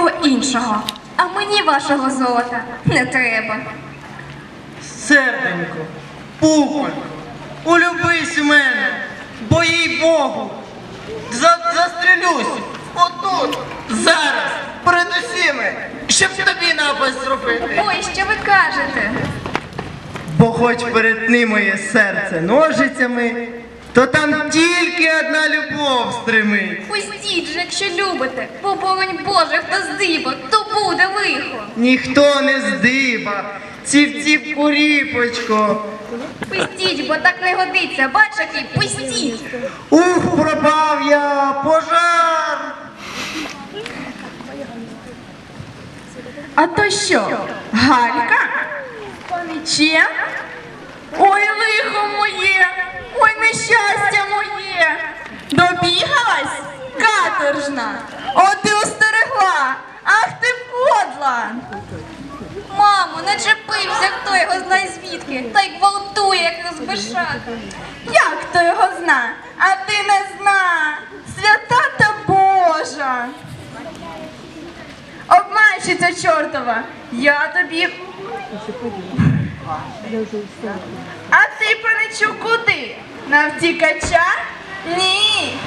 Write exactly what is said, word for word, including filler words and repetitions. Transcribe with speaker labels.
Speaker 1: будь-кого іншого. А мені вашого золота не треба.
Speaker 2: Серденько, пупонько, улюбись у мене, бо їй Богу, за, застрелюсь отут, зараз, перед усіми, щоб тобі напасть зробити.
Speaker 1: Ой, що ви кажете?
Speaker 2: Бо хоч перетни моє серце ножицями, то там тільки одна любов стримить.
Speaker 1: Пустіть же, якщо любите, бо боронь Боже, хто здибо, то буде лихо.
Speaker 2: Ніхто не здиба, ціп-ціп куріпочко.
Speaker 1: Пустіть, бо так не годиться, бач, який, пустіть.
Speaker 2: Ух, пропав я, пожар!
Speaker 3: А то що, Галька? Паничем? Ой, лихо моє, ой, нещастя моє. Добігалась, каторжна, от ти остерегла, ах ти подла.
Speaker 1: Мамо, не чепився, хто його знає звідки, та й гвалтує, як розбишака.
Speaker 3: Як хто його зна, а ти не зна, свята та Божа. Обманщиця чортова, я тобі... А ти, паничу, куди? На втікача? Ні,